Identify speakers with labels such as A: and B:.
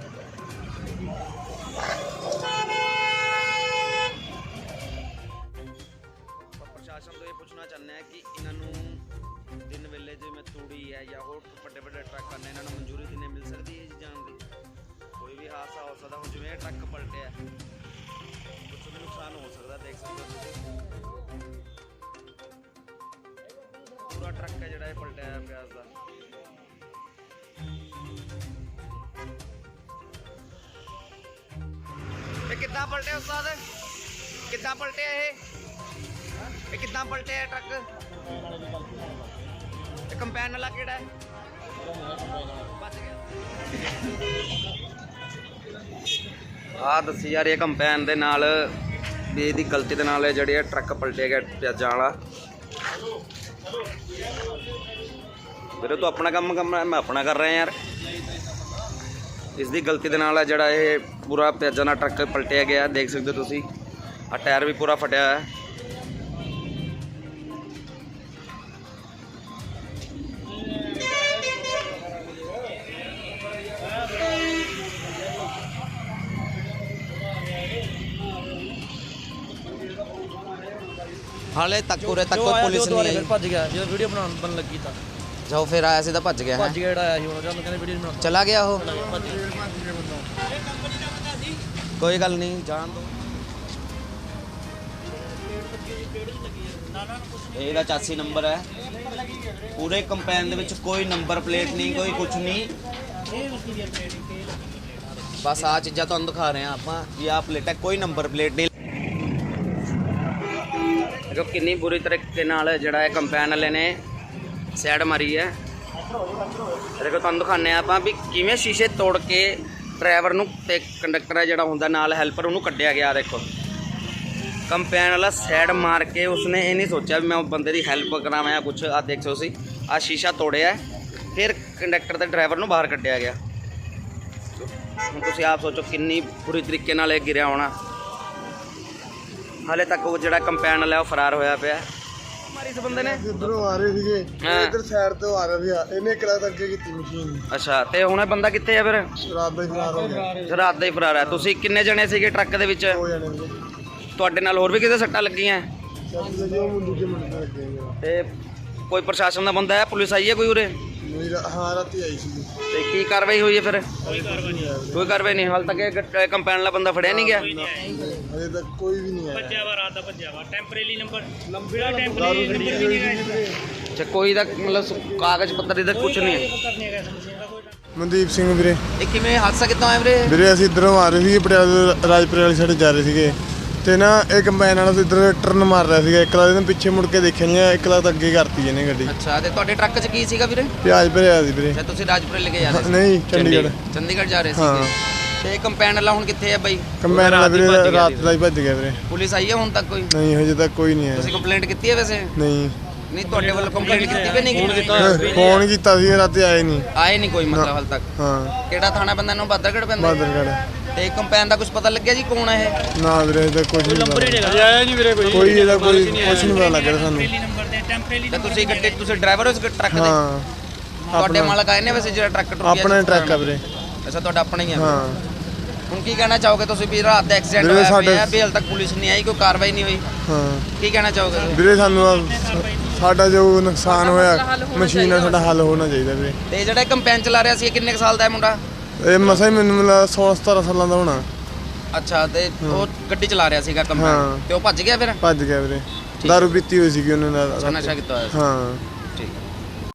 A: ਪ੍ਰਸ਼ਾਸਨ ਤੋਂ ਇਹ ਪੁੱਛਣਾ ਚਾਹੁੰਦੇ ਹਾਂ ਕਿ ਇਹਨਾਂ ਨੂੰ ਦਿਨ ਵੇਲੇ ਜਿਵੇਂ ਤੂੜੀ ਹੈ ਜਾਂ ਹੋਰ ਵੱਡੇ ਵੱਡੇ ਟਰੱਕ ਨੇ, ਇਹਨਾਂ ਨੂੰ ਮਨਜ਼ੂਰੀ ਦਿਨੇ ਮਿਲ ਸਕਦੀ ਹੈ ਜੀ ਜਾਣ ਦੀ? ਕੋਈ ਵੀ ਹਾਦਸਾ ਹੋ ਸਕਦਾ, ਹੁਣ ਜਿਵੇਂ ਇਹ ਟਰੱਕ ਪਲਟਿਆ ਕੁਛ ਵੀ ਨੁਕਸਾਨ ਹੋ ਸਕਦਾ, ਦੇਖ ਸਕਦੇ ਹੋ ਤੁਸੀਂ। ਪੂਰਾ ਟਰੱਕ ਹੈ ਜਿਹੜਾ ਇਹ ਪਲਟਿਆ ਪਿਆਜ਼ ਦਾ। ਇਹ ਕਿੱਦਾਂ ਪਲਟਿਆ ਉਸਤਾਦ? ਕਿੱਦਾਂ ਪਲਟਿਆ ਇਹ ਕਿੱਦਾਂ ਪਲਟਿਆ ਟਰੱਕ? ਇਹ ਕੰਪੈਨ ਵਾਲਾ ਕਿਹੜਾ ਹੈ? ਬਚ ਗਿਆ। ਆਹ ਦੱਸੀ ਯਾਰ, ਇਹ ਕੰਪੈਨ ਦੇ ਨਾਲ ਵੀ ਇਹਦੀ ਗਲਤੀ ਦੇ ਨਾਲ ਜਿਹੜੀ ਇਹ ਟਰੱਕ ਪਲਟਿਆ ਗਿਆ ਪਿਆਜ਼ਾਂ ਵਾਲਾ। ਵੀਰੇ ਤੂੰ ਆਪਣਾ ਕੰਮ ਮੈਂ ਆਪਣਾ ਕਰ ਰਿਹਾ ਯਾਰ। ਇਸ ਦੀ ਗਲਤੀ ਦੇ ਨਾਲ ਜਿਹੜਾ ਇਹ ਪੂਰਾ ਪਿਆਜ਼ਾਂ ਦਾ ਟਰੱਕ ਪਲਟਿਆ ਗਿਆ, ਦੇਖ ਸਕਦੇ ਹੋ ਤੁਸੀਂ। ਆ ਟਾਇਰ ਵੀ ਪੂਰਾ ਫਟਿਆ ਹੋਇਆ ਹੈ। ਹਾਲੇ ਤੱਕ ਉਰੇ ਤੱਕ ਕੋਈ ਪੁਲਿਸ ਨਹੀਂ ਆਈ।
B: ਭੱਜ ਗਿਆ ਜਦੋਂ ਵੀਡੀਓ ਬਣਨ ਲੱਗੀ ਤਾਂ
A: ਜਾਓ ਫਿਰ ਆਇਆ ਸੀ ਤਾਂ ਭੱਜ ਗਿਆ।
B: ਜਿਹੜਾ ਆਇਆ ਸੀ ਉਹਨਾਂ ਕਹਿੰਦੇ ਵੀਡੀਓ ਬਣਾ
A: ਚਲਾ ਗਿਆ ਉਹ। ਕੋਈ ਗੱਲ ਨਹੀਂ, ਜਾਣ ਦੋ। ਇਹਦਾ 84 ਨੰਬਰ ਹੈ। ਪੂਰੇ ਕੰਪੈਨ ਦੇ ਵਿੱਚ ਕੋਈ ਨੰਬਰ ਪਲੇਟ ਨਹੀਂ, ਕੋਈ ਕੁਝ ਨਹੀਂ। ਬਸ ਆਹ ਚੀਜ਼ਾਂ ਤੁਹਾਨੂੰ ਦਿਖਾ ਰਹੇ ਹਾਂ ਆਪਾਂ ਵੀ ਆਹ ਪਲੇਟ ਹੈ, ਕੋਈ ਨੰਬਰ ਪਲੇਟ ਨਹੀਂ। ਦੇਖੋ ਕਿੰਨੀ ਬੁਰੀ ਤਰੀਕੇ ਨਾਲ ਜਿਹੜਾ ਇਹ ਕੰਪੈਨ ਵਾਲੇ ਨੇ ਸਾਈਡ ਮਾਰੀ ਹੈ। ਦੇਖੋ ਤੁਹਾਨੂੰ ਦਿਖਾਉਂਦੇ ਹਾਂ ਆਪਾਂ ਵੀ ਕਿਵੇਂ ਸ਼ੀਸ਼ੇ ਤੋੜ ਕੇ ਡਰਾਈਵਰ ਨੂੰ ਤੇ ਕੰਡਕਟਰ ਹੈ ਜਿਹੜਾ ਹੁੰਦਾ ਨਾਲ ਹੈਲਪਰ, ਉਹਨੂੰ ਕੱਢਿਆ ਗਿਆ। ਦੇਖੋ ਕੰਪੈਨ ਵਾਲਾ ਸਾਈਡ ਮਾਰ ਕੇ ਉਸਨੇ ਇਹ ਨਹੀਂ ਸੋਚਿਆ ਵੀ ਮੈਂ ਬੰਦੇ ਦੀ ਹੈਲਪ ਕਰਾਵਾਂ ਜਾਂ ਕੁਛ। ਆਹ ਦੇਖ ਸਕਦੇ ਤੁਸੀਂ, ਆਹ ਸ਼ੀਸ਼ਾ ਤੋੜਿਆ ਫਿਰ ਕੰਡਕਟਰ ਤੇ ਡਰਾਈਵਰ ਨੂੰ ਬਾਹਰ ਕੱਢਿਆ ਗਿਆ। ਹੁਣ ਤੁਸੀਂ ਆਪ ਸੋਚੋ ਕਿੰਨੀ ਬੁਰੀ ਤਰੀਕੇ ਨਾਲ ਇਹ ਗਿਰਿਆ ਹੋਣਾ। ਹਾਲੇ ਤੱਕ ਉਹ ਜਿਹੜਾ ਕੰਪੈਨ ਵਾਲਾ ਉਹ ਫਰਾਰ ਹੋਇਆ ਪਿਆ। ਮਾਰੀ ਇਸ ਬੰਦੇ ਨੇ
C: ਇਧਰੋਂ ਆ ਰਹੇ ਸੀਗੇ, ਇਧਰ ਸਾਈਡ ਤੋਂ ਆ ਰਿਹਾ ਸੀ, ਇਹਨੇ ਕਿਲਾ ਅੱਗੇ ਕੀਤੀ ਮਸ਼ੀਨ।
A: ਅੱਛਾ, ਤੇ ਹੁਣ ਇਹ ਬੰਦਾ ਕਿੱਥੇ ਆ ਫਿਰ?
C: ਰਾਤ ਦਾ ਹੀ ਫਰਾਰ ਹੋ ਗਿਆ।
A: ਰਾਤ ਦਾ ਹੀ ਫਰਾਰ ਹੈ। ਤੁਸੀਂ ਕਿੰਨੇ ਜਣੇ ਸੀਗੇ ਟਰੱਕ ਦੇ ਵਿੱਚ?
C: 2 ਜਣੇ ਸੀਗੇ।
A: ਤੁਹਾਡੇ ਨਾਲ ਹੋਰ ਵੀ ਕਿਤੇ ਸੱਟਾਂ ਲੱਗੀਆਂ?
C: ਦੂਜੇ ਮੁੰਡੇ ਲੱਗੇ
A: ਤੇ ਕੋਈ ਪ੍ਰਸ਼ਾਸਨ ਦਾ ਬੰਦਾ ਹੈ, ਪੁਲਿਸ ਆਈ ਹੈ ਕੋਈ ਉਰੇ?
C: ਹਾਂ ਰਾਤੀ ਆਈ ਸੀ।
A: ਤੇ ਕੀ ਕਾਰਵਾਈ ਹੋਈ ਹੈ ਫਿਰ? ਕੋਈ ਕਾਰਵਾਈ ਨਹੀਂ ਹਾਲ ਤੱਕ। ਇਹ ਕੰਪੈਨ ਵਾਲਾ ਬੰਦਾ ਫੜਿਆ ਨਹੀਂ ਗਿਆ?
C: ਹਜੇ ਤੱਕ ਕੋਈ ਵੀ ਨਹੀਂ ਆਇਆ।
B: ਭੱਜਿਆ ਵਾ ਰਾਤ ਦਾ, ਭੱਜਿਆ ਵਾ। ਟੈਂਪਰੇਰੀ ਨੰਬਰ
A: ਅੱਛਾ, ਕੋਈ ਦਾ ਮਤਲਬ ਕਾਗਜ਼ ਪੱਤਰ ਇਹਦਾ ਕੁਝ ਨਹੀਂ ਹੈ?
C: ਮਨਦੀਪ ਸਿੰਘ ਵੀਰੇ।
A: ਇਹ ਕਿਵੇਂ ਹਾਦਸਾ ਕਿੱਦਾਂ ਹੋਇਆ ਵੀਰੇ?
C: ਵੀਰੇ ਅਸੀਂ ਇਧਰੋਂ ਆ ਰਹੇ ਸੀਗੇ, ਪਟਿਆਲੇ ਰਾਜਪੁਰੇ ਵਾਲੀ ਸਾਈਡ ਜਾ ਰਹੇ ਸੀਗੇ ਤੇ ਨਾ ਇਹ ਕੰਬਾਈਨ ਵਾਲਾ ਤੋਂ ਇੱਧਰ ਟਰਨ ਮਾਰ ਰਿਹਾ ਸੀਗਾ। ਇੱਕ ਲੱਖ ਪਿੱਛੇ ਮੁੜ ਕੇ ਦੇਖਿਆ ਨਹੀਂ, ਇੱਕ ਲੱਖ ਅੱਗੇ ਕਰਤੀ ਇਹਨੇ ਗੱਡੀ।
A: ਅੱਛਾ, ਤੇ ਤੁਹਾਡੇ ਟਰੱਕ 'ਚ ਕੀ ਸੀਗਾ ਵੀਰੇ?
C: ਪਿਆਜ਼ ਭਰਿਆ ਸੀ ਵੀਰੇ।
A: ਅੱਛਾ, ਤੁਸੀਂ ਰਾਜਪੁਰੇ ਲੈ ਕੇ ਜਾ ਰਹੇ ਸੀ?
C: ਨਹੀਂ, ਚੰਡੀਗੜ੍ਹ
A: ਜਾ ਰਹੇ ਸੀਗੇ। ਤੇ ਕੰਪੈਨ ਵਾਲਾ ਹੁਣ ਕਿੱਥੇ ਹੈ ਬਾਈ?
C: ਕੰਬਾਈਨ ਵਾਲਾ ਵੀਰੇ ਰਾਤ ਦਾ ਹੀ ਭੱਜ ਗਿਆ ਵੀਰੇ।
A: ਪੁਲਿਸ ਆਈ ਹੈ ਹੁਣ ਤੱਕ ਕੋਈ?
C: ਨਹੀਂ, ਹਜੇ ਤੱਕ ਕੋਈ ਨਹੀਂ ਆਇਆ।
A: ਤੁਸੀਂ ਕੰਪਲੇਂਟ ਕੀਤੀ ਹੈ ਵੈਸੇ?
C: ਨਹੀਂ
A: ਤੁਹਾਡੇ ਵੱਲੋਂ ਕੰਪਲੇਂਟ ਕੀਤੀ ਕਿ ਨਹੀਂ?
C: ਫੋਨ ਕੀਤਾ ਸੀ, ਰਾਤੀ ਆਏ ਨਹੀਂ।
A: ਆਏ ਨਹੀਂ ਕੋਈ ਮਤਲਬ ਹਾਲ ਤੱਕ?
C: ਹਾਂ।
A: ਕਿਹੜਾ ਥਾਣਾ ਪੈਂਦਾ ਇਹਨੂੰ? ਬਾਦਰਗੜ੍ਹ ਪੈਂਦਾ?
C: ਬਾਦਰਗੜ੍ਹ।
A: ਤੇ ਕੰਪੈਨ ਦਾ ਕੁਝ ਪਤਾ ਲੱਗਿਆ ਜੀ ਕੌਣ ਹੈ ਇਹ?
C: ਨਾ ਵੀਰੇ ਇਹਦਾ ਕੁਝ ਨਹੀਂ
B: ਨੰਬਰ ਹੀ ਨਹੀਂ ਆਇਆ ਜੀ ਵੀਰੇ।
C: ਕੋਈ ਇਹਦਾ ਕੋਈ ਕੁਝ ਨਹੀਂ ਪਤਾ ਲੱਗ ਰਿਹਾ ਸਾਨੂੰ।
B: ਟੈਂਪਰੇਰੀ
A: ਤੇ ਤੁਸੀਂ ਗੱਡੀ, ਤੁਸੀਂ ਡਰਾਈਵਰ ਹੋ ਇਸ ਟਰੱਕ ਦੇ?
C: ਹਾਂ।
A: ਤੁਹਾਡੇ ਮਾਲਕ ਆਏ ਨੇ ਵੈਸੇ ਜਿਹੜਾ ਟਰੱਕ ਟੁੱਟ ਗਿਆ?
C: ਆਪਣਾ ਟਰੱਕ ਆ ਵੀਰੇ।
A: ਅੱਛਾ, ਤੁਹਾਡਾ ਆਪਣਾ ਹੀ ਹੈ?
C: ਹਾਂ।
A: ਹੁਣ ਕੀ ਕਹਿਣਾ ਚਾਹੋਗੇ ਤੁਸੀਂ ਵੀ ਰਾਤ ਦਾ ਐਕਸੀਡੈਂਟ ਹੋਇਆ ਪਿਆ ਵੀ ਹਾਲ ਤੱਕ ਪੁਲਿਸ ਨਹੀਂ ਆਈ, ਕੋਈ ਕਾਰਵਾਈ ਨਹੀਂ ਹੋਈ?
C: ਹਾਂ।
A: ਕੀ ਕਹਿਣਾ ਚਾਹੋਗੇ
C: ਵੀਰੇ ਸਾਨੂੰ ਸਾਡਾ ਜੋ ਨੁਕਸਾਨ ਹੋਇਆ ਮਸ਼ੀਨ ਨਾਲ ਸਾਡਾ ਹੱਲ ਹੋਣਾ ਚਾਹੀਦਾ ਵੀਰੇ।
A: ਤੇ ਜਿਹੜਾ ਕੰਪੈਨ ਚਲਾ ਰਿਹਾ ਸੀ ਕਿੰਨੇ ਸਾਲ ਦਾ ਹੈ ਮੁੰਡਾ?
C: ਇਹ ਮਸਾ ਹੀ ਮੈਨੂੰ ਮਿਲਾ 16-17 ਸਾਲਾਂ ਦਾ ਹੋਣਾ।
A: ਅੱਛਾ, ਤੇ ਉਹ ਗੱਡੀ ਚਲਾ ਰਿਹਾ ਸੀਗਾ ਕੰਪੈਨ ਤੇ ਉਹ ਭੱਜ ਗਿਆ ਫਿਰ?
C: ਭੱਜ ਗਿਆ ਵੀਰੇ। ਦਾਰੂ ਪੀਤੀ ਹੋਈ ਸੀਗੀ ਉਹਨਾਂ ਨਾਲ।
A: ਨਸ਼ਾ ਕੀਤਾ ਹੋਇਆ ਸੀ?
C: ਹਾਂ।